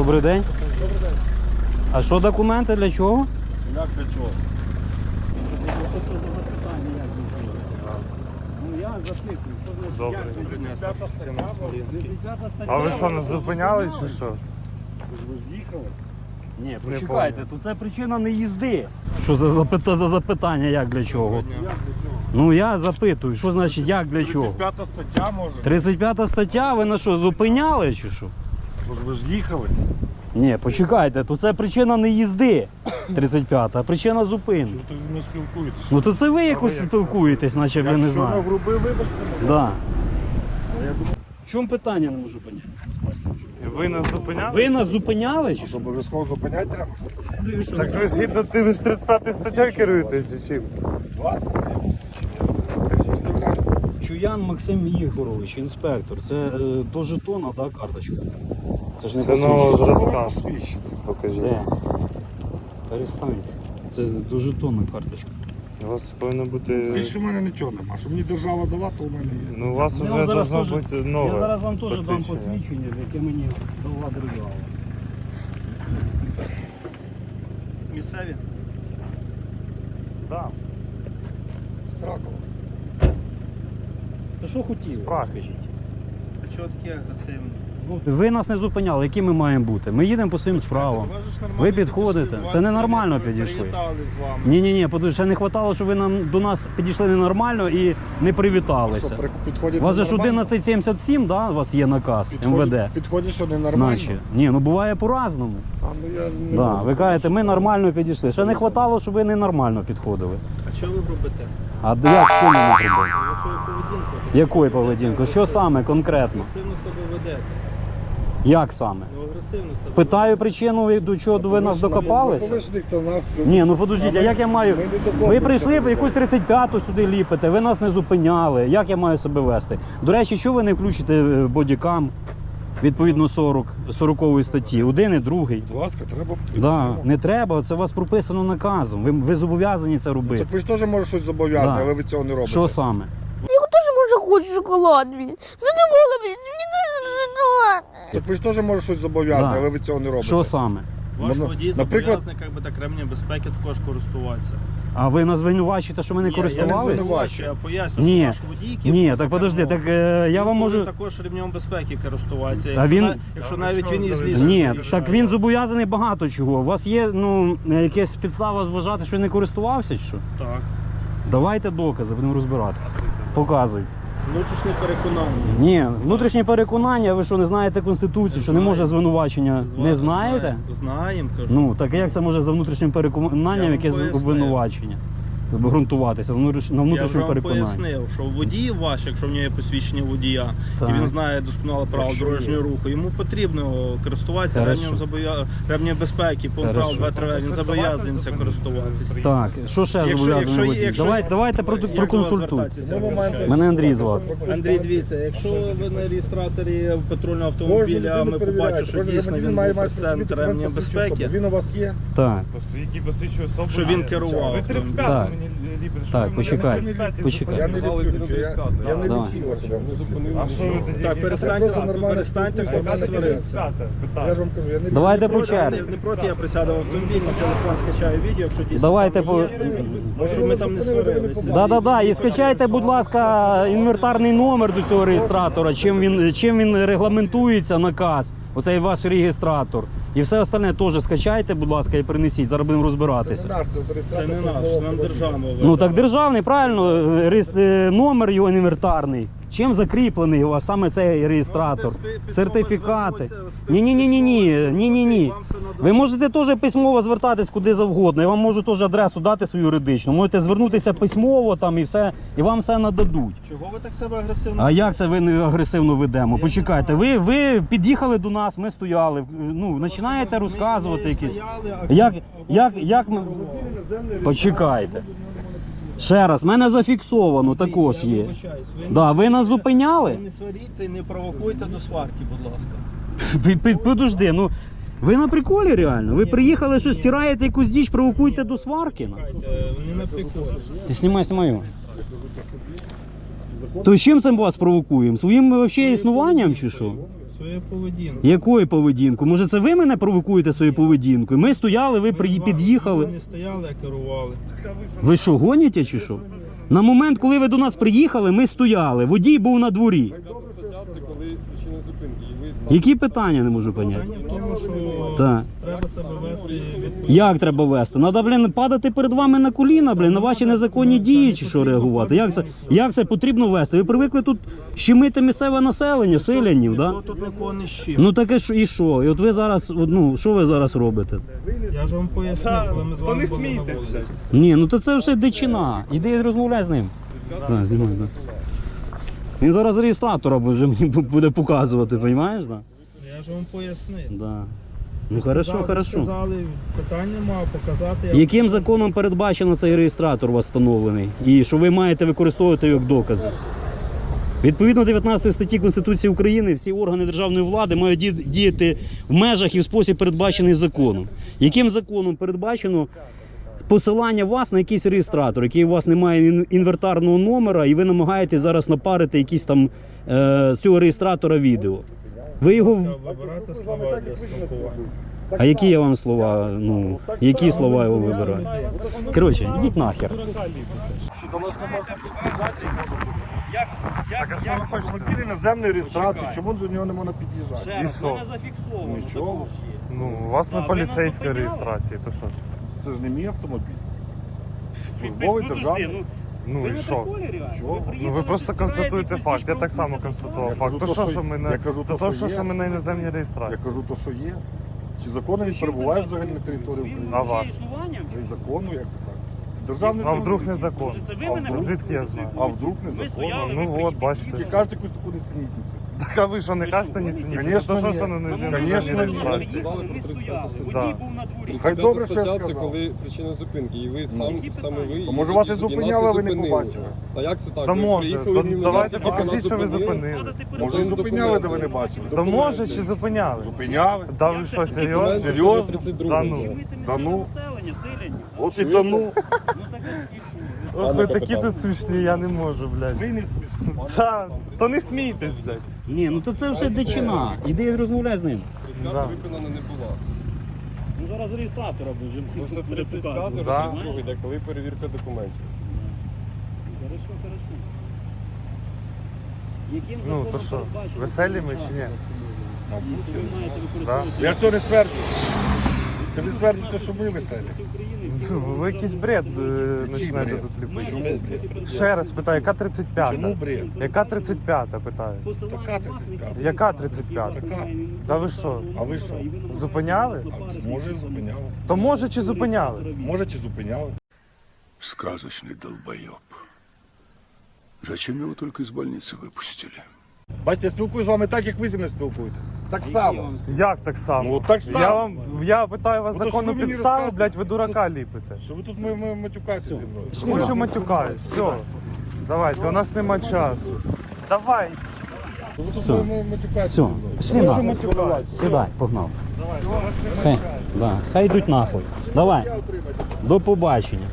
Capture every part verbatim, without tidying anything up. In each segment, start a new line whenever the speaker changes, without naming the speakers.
Добрий день.
Добрий день.
А що документи для чого?
Як для чого?
Що за запитання, як ви живете? Ну я запитую, що значить,
Добре.
як ви живете?
П'ята стаття.
тридцять п'ята стаття.
А ви що, не
вас
зупиняли чи що?
Ви ж їхали?
Ні,
Не
почекайте, то це причина не їзди. Що за, запита, за запитання, як для чого?
Як для чого?
Ну я запитую, що значить як для чого?
тридцять п'ята стаття може?
тридцять п'ята стаття, ви на що, зупиняли чи що?
Тож ви ж їхали?
Ні, почекайте, то це причина не їзди. тридцять п'ята, а причина зупинки.
Чого ви не спілкуєтесь?
Ну то це ви якось
як
спілкуєтесь, наче ви не
Якщо
знаєте.
нагруби, вибачте мене.
Да.
Я думаю,
В чому питання не можу поняти?
Ви нас зупиняли?
Ви нас зупиняли чи
що
що?
обов'язково зупиняти треба?
Так ви згідно тими з тридцять п'ятою статтею керуєтесь чи чим?
Вас?
Чуян Максим Ігорович, інспектор. Це е, до жетона, да, карточка? Це ж не
Це нового
посвідчення.
зразка. Покажіть.
Де? Перестаньте. Це до жетона карточка.
У вас повинно бути...
Більше в мене нічого нема. Що мені держава дала, то у мене є.
Ну у вас
Я
вже
вам зараз
должно
теж-
бути нове
Я зараз вам теж дам
посвідчення.
посвідчення, яке мені дала держава.
Місцеві?
Да.
З Кракова.
То що хотіли,
Справді.
скажіть?
А чого такі агресивні?
Ви нас не зупиняли, які ми маємо бути? Ми їдемо по своїм справам. Ви підходите. Це ненормально підійшли.
Привітали з вами.
Ні-ні-ні, подивіться, ще не вистачало, щоб ви нам, до нас підійшли ненормально і не привіталися.
Що, при- підходять
У вас же ж
ненормально?
одинадцять сімдесят сім, да, у вас є наказ
Підходять-
ем ве де?
Підходять, що ненормально?
Наче. Ні, ну буває по-разному.
А, ну, я не
Да,
можу.
ви кажете, ми нормально підійшли. Ще не вистачало, щоб ви ненормально підходили.
А що ви робите?
А як що ми не робимо?
Ви свою поведінку.
Якою поведінкою? Що саме конкретно?
Агресивно себе ведете.
Як саме?
Ну, агресивно себе.
Питаю причину, до чого ви нас докопалися?
Ви ж ніхто нас-
Ні, ну подождіть, а як я маю.
Ми не докопуємося
Ви прийшли,
до
якусь тридцять п'яту сюди ліпите, ви нас не зупиняли. Як я маю себе вести? До речі, що ви не включите е, бодікам відповідно сорок, сорокової статті? Один і другий.
Будь ласка, треба.
Да, не треба, це у вас прописано наказом. Ви, ви зобов'язані це робити.
Так ви ж теж можете щось зобов'язати,
Да.
але ви цього не робите.
Що саме?
Я тоже, може, хочу шоколад, блін. Задумала, блін, мені дуже шоколад.
Так ви ж теж можете щось зобов'язати,
Да.
але ви цього не робите.
Що саме?
Ваш
Ну,
водій
наприклад-
зобов'язаний як би, так ремнем безпеки також користуватися.
А ви нас звинувачуєте, що ми не
Ні, я не
користувалися?
звинувачую, я поясню,
Ні.
що ваш водій, який
Ні,
був
так подожди,
за кермом,
так е, я
він
вам
повинен
можу.
також ремнем безпеки користуватися.
А
Якщо
він-
на- Якщо
А ви
навіть
що,
він із
взагалі?
лісу.
Ні,
виїжджає.
так він зобов'язаний багато чого. У вас є ну якась підстава вважати, що не користувався чи що?
Так.
Давайте докази, будемо розбиратися. Показуйте.
Внутрішнє переконання.
Ні, внутрішнє переконання, ви що не знаєте Конституцію, що не може звинувачення. Не знаєте?
Знаємо, кажу.
Ну, так як це може за внутрішнім
Я
переконанням
вам
якесь
пояснив.
обвинувачення? Ґрунтуватися на внутріш- на
Я вже
внутрішньому
вам
переконанні.
пояснив, що водій ваш, якщо в нього є посвідчення водія,
Так.
і він знає досконало правил
Якщо
дорожнього руху, йому потрібно користуватися
Хорошо.
ремнем, забов'я... ремнем безпеки, по правил
Хорошо.
два три, він зобов'язаний це користуватися.
Так, що ще
Якщо-
зобов'язаний
якщо-
водій?
якщо-
Давайте, давайте про-
Як до вас
проконсультуйте.
звертатися?
Ми маємо-
Мене Андрій звати.
Андрій, дивіться, якщо ви на реєстраторі патрульного
Кожен
автомобіля, ми
людину
побачимо, що
перевіряють.
дійсно
Кожен
він
має
був
мати
президент
собі
ремнем
документ, посвідчує
безпеки.
особу. Він у вас є?
Так,
Які посвідчує особу.
Що він керував.
Ви тридцять
Так.
п'яту мені ліпите.
Так, почекай, почекай.
Я не люблю, я, я не
Давай.
люблю себе.
А що ви тоді?
Так, перестаньте,
Це нормально
перестаньте
спілкуйтесь,
хлопці
нормально
сваритися.
Я ж вам кажу, я не
Давайте
Не
по
проти,
черзі.
не- не проти, я присяду в автомобіль, на телефон скачаю відео, якщо дійсно
Давайте
там
по.
є, щоб ми там не сварилися.
Да, да, да. І скачайте, будь ласка, інвентарний номер до цього реєстратора, чим він, чим він регламентується, наказ, оцей ваш реєстратор. І все остальне теж скачайте, будь ласка, і принесіть. Зараз будемо
Це
розбиратися.
не наш, це
Це
реєстратор.
не наш,
службового
нам
автомобіля.
держава.
Ну так державний, правильно, реєс- е, номер його інвентарний. Чим закріплений у вас саме цей реєстратор? Сертифікати. Ні, ні, ні, ні, ні, ні, ні, ні. Ви можете теж письмово звертатись куди завгодно. Я вам можу теж адресу дати свою юридичну. Можете звернутися письмово там і все, і вам все нададуть.
Чого ви так себе агресивно?
А як це ви не агресивно ведемо? Почекайте, ви, ви під'їхали до нас, ми стояли. Ну, починаєте розказувати якісь. Як, як, як ми. Почекайте. Ще раз, в мене зафіксовано також є. Да, ви нас зупиняли?
Ви не сваріться і не провокуйте до сварки, будь ласка.
Пі- пі- Подожди, ну ви на приколі реально? Ви приїхали, що стираєте якусь діч, провокуєте до сварки? ну?
Чекайте, не на приколі.
Ти знімай, знімаю. То з чим це ми вас провокуємо? Своїм взагалі існуванням чи що?
Свою поведінку.
Якою поведінку? Може це ви мене провокуєте своєю поведінкою? Ми стояли, ви при- під'їхали.
Ви не стояли, а керували.
Ви що, гоніте чи що? На момент, коли ви до нас приїхали, ми стояли. Водій був на дворі. Які питання, не можу поняти?
Питання в тому, що
Так.
треба себе вести відповідно.
Як треба вести? Надо, блін, падати перед вами на коліна, блін, на ваші незаконні дії чи що реагувати? Як це, як це потрібно вести? Ви привикли тут щемити місцеве населення, селянів, да?
Хто тут нікого не щив?
Ну таке що і що? І от ви зараз, от, ну, що ви зараз робите?
Я ж вам пояснив, коли ми з
То
вами
не
були на
смійтесь,
вулиці.
блядь.
Ні, ну то це вже дичина. Іди розмовляй з ним. Да, знімай, да. Він зараз реєстратора вже мені буде показувати, розумієш? Да?
Я ж вам пояснив.
Да. Ну хорошо,
Сказали,
хорошо.
Сказали, питання мав показати. Я...
Яким законом передбачено цей реєстратор у вас встановлений? І що ви маєте використовувати його як докази? Відповідно дев'ятнадцятої статті Конституції України всі органи державної влади мають ді- діяти в межах і в спосіб, передбачений законом. Яким законом передбачено посилання вас на якийсь реєстратор, який у вас не має ін- інвертарного номера, і ви намагаєтесь зараз напарити якісь там е, з цього реєстратора відео? Ви його... в-
Вибирати слова для спілкування.
А які я вам слова, ну, які слова я вам вибираю? Коротше, йдіть нахер.
Що до нас не можна під'їжджати,
Так, а що ви хочете?
автомобіль іноземної реєстрації, чому до нього не можна під'їжджати?
І що?
Нічого.
Ну, у вас не поліцейська реєстрація, то що?
Це ж не мій автомобіль. Службовий державний.
Ну і що?
Чого?
Ну ви просто констатуєте факт, я так само констатував
Я
факт.
кажу
То
то,
що,
що-
що ми
я
на
кажу
то,
то,
то,
що
що,
є.
що ми на іноземній
Я
реєстрації?
кажу то, що є. Чи законно він перебуває взагалі на території України?
А вас?
Це законно, як це так? Це державний
А вдруг
автомобіль.
незаконно?
А вдруг?
Звідки я знаю?
А вдруг незаконно?
Ну от,
Тільки
бачите.
кажете якусь таку несенітницю.
Так а ви що, не кажете ні сині?
Конечно,
То що,
ні.
що на на- на
Конечно,
іноземній
ні.
реєстрації? Да.
Хай добре, що я
Це
сказав.
коли причина зупинки, і ви сам, саме ви...
То може вас і
нас
зупиняли, а ви не
зупинили.
побачили?
Та як це так?
Та
Ви
може,
приїхали
то
мимо
давайте
нас, поки
покажіть,
нас
що ви
зупинили.
зупинили.
Може і зупиняли, де ви не бачили?
Та може чи зупиняли?
Зупиняли?
Та ви що, серйозно?
Документи
Серйозно?
вже тридцять другий.
Та ну.
Да ну. От і да ну.
Ох, ви такі тут смішні, я не можу, блядь.
Ви не смішно.
Та, то не смійтесь, блядь.
Ні, ну то це вже дичина. Іди розмовляй з ним.
Скарга
Да.
виконана не була.
Ну зараз реєстратора будемо.
Ну, це тридцять п'ятий,
Да.
тридцять другий, де коли перевірка документів.
Хорошо, хорошо. Яким
Ну, то що, веселі ми чи ні? Да?
Я ж цього не стверджую. Це ви стверджуєте, що ми веселі.
Ну, ви якийсь бред е, починаєте
бред?
тут ліпити.
Чому бред?
Ще раз питаю, яка тридцять п'ята?
Чому бред?
Яка тридцять п'ята, питаю?
Така тридцять п'ята.
Яка тридцять п'ята?
Така.
Та ви що?
А ви що?
Зупиняли?
А може і зупиняли.
То може чи зупиняли?
Може чи зупиняли.
Сказочный долбоеб. Зачем его только из больницы выпустили?
Бачите, я спілкуюсь з вами так, як ви зі мною спілкуєтесь. Так само.
Як так само?
Ну, так само.
Я вам я питаю вас
Ну, то що
законну
ви мені
підставу,
розказуєте?
блядь, ви дурака ліпите.
Що ви тут ми, ми матюкаєтеся зі мною?
Хочу матюкаюсь, все. Давайте, у нас нема часу. Давай.
Що ви тут
Все.
ми, ми матюкаєтеся
Все,
зі мною?
пішли
Що
нахуй.
матюкаєтеся?
Сідай, погнав.
Давай, у нас нема
Хай,
часу.
да, хай йдуть нахуй. Давай, до побачення.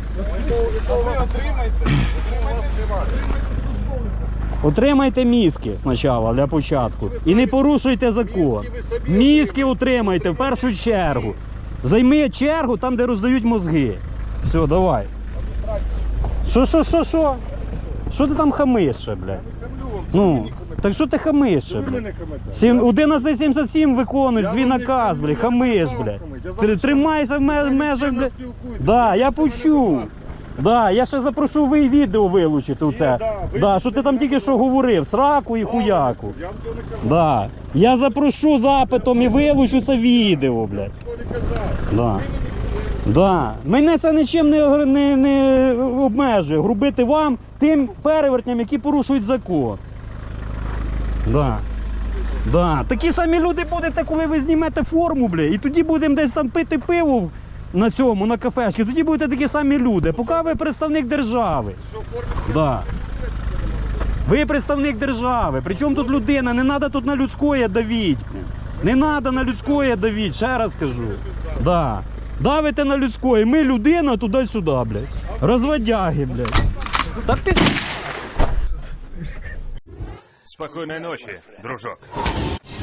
Отримайте мізки спочатку для початку. І не порушуйте закон. Мізки отримайте в першу чергу. Займи чергу там, де роздають мозги. Все, давай. Що, що, що, що? Що ти там хамиш ще, блядь? Ну, так що ти хамиш ще,
Ви мене
блядь?
хамите.
Сім- одинадцять сімдесят сім виконують
Я
свій
вам не
наказ,
хамлю,
блядь,
я
хамиш,
вам
блядь.
хамлю. Я
Тр-
зараз
Тримайся в
Ви
ме-
мене
межах,
чемно
блядь.
спілкуєтесь.
Да, я
Ви мене, будь
почув.
ласка.
Да, я ще запрошу ви відео вилучити оце.
да,
Да,
вилучите,
що ти там
я
тільки що
прошу.
говорив, сраку і хуяку.
Я вам цього не казав.
Да. Я запрошу запитом і вилучу це відео, блядь.
Ніхто не казав.
Да. Да. Мене це нічим не, огр- не, не обмежує. Грубити вам тим перевертням, які порушують закон. Да. Да. Такі самі люди будете, коли ви знімете форму, бля, і тоді будемо десь там пити пиво на цьому, на кафешці. Тоді будете такі самі люди. Поки ви представник держави. Да. Ви представник держави. Причому тут людина? Не треба тут на людське давіть. Не треба на людське давіть, ще раз кажу. Да. Давите на людське, ми людина туди-сюди, блядь. Розводяги, блядь. Та ти...
Спокойной ночи, дружок.